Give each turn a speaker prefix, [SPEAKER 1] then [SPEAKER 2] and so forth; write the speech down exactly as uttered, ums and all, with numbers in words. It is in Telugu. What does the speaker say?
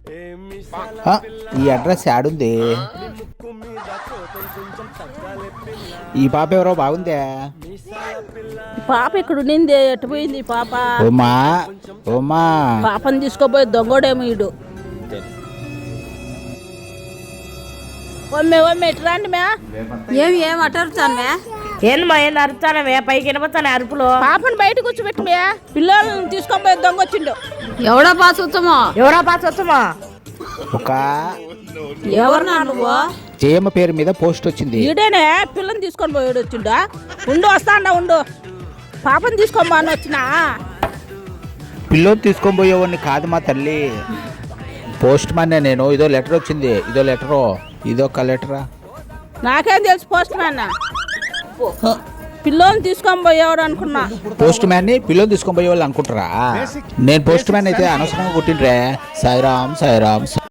[SPEAKER 1] ఆ, ఈ అడ్రస్ యాడుంది? ఈ పాప ఎవరో బాగుందే.
[SPEAKER 2] పాప ఇక్కడ ఉండింది, ఎటు పోయింది ఈ పాప?
[SPEAKER 1] ఓమా ఓమా
[SPEAKER 2] పాపని తీసుకోపోయి దొంగోడేమో ఈడు. ఒమ్మే ఒమ్మే ఇటు రండి మే.
[SPEAKER 3] ఏమి ఏమి అటరుతాను మే?
[SPEAKER 2] ఏంది మా ఏంది అరుతానమే? పైకి వినపడతాను అరుపులు. పాపను బయట కూర్చోబెట్టి మే, పిల్లల్ని తీసుకొని పోయి దొంగ వచ్చిండు.
[SPEAKER 3] ఎవడో పాస్ వచ్చామో?
[SPEAKER 2] ఎవరా పాస్ వచ్చమా?
[SPEAKER 1] ఒక
[SPEAKER 3] ఎవరు నువ్వు?
[SPEAKER 1] జయమ్మ పేరు మీద పోస్ట్ వచ్చింది.
[SPEAKER 2] ఈడేనే పిల్లని తీసుకొని పోయాడు వచ్చిండా. ఉండు వస్తాండా ఉండు. పాపని తీసుకొని పోని వచ్చినా.
[SPEAKER 1] పిల్లోని తీసుకొని పోయేవాడిని కాదు మా తల్లి, పోస్ట్ మ్యాన్ నేను. ఇదో లెటర్ వచ్చింది, ఇదో లెటరు, ఇదొక లెటరా.
[SPEAKER 2] నాకేం తెలుసు పోస్ట్ మ్యాన్. పిల్లోని తీసుకొని పోయేవాడు అనుకున్నా.
[SPEAKER 1] పోస్ట్ మ్యాన్ ని పిల్లోని తీసుకొని పోయేవాళ్ళు అనుకుంటారా? నేను పోస్ట్ మ్యాన్ అయితే అనవసరంగా కొట్టిండ్రే. సాయిరామ్ సాయిరామ్.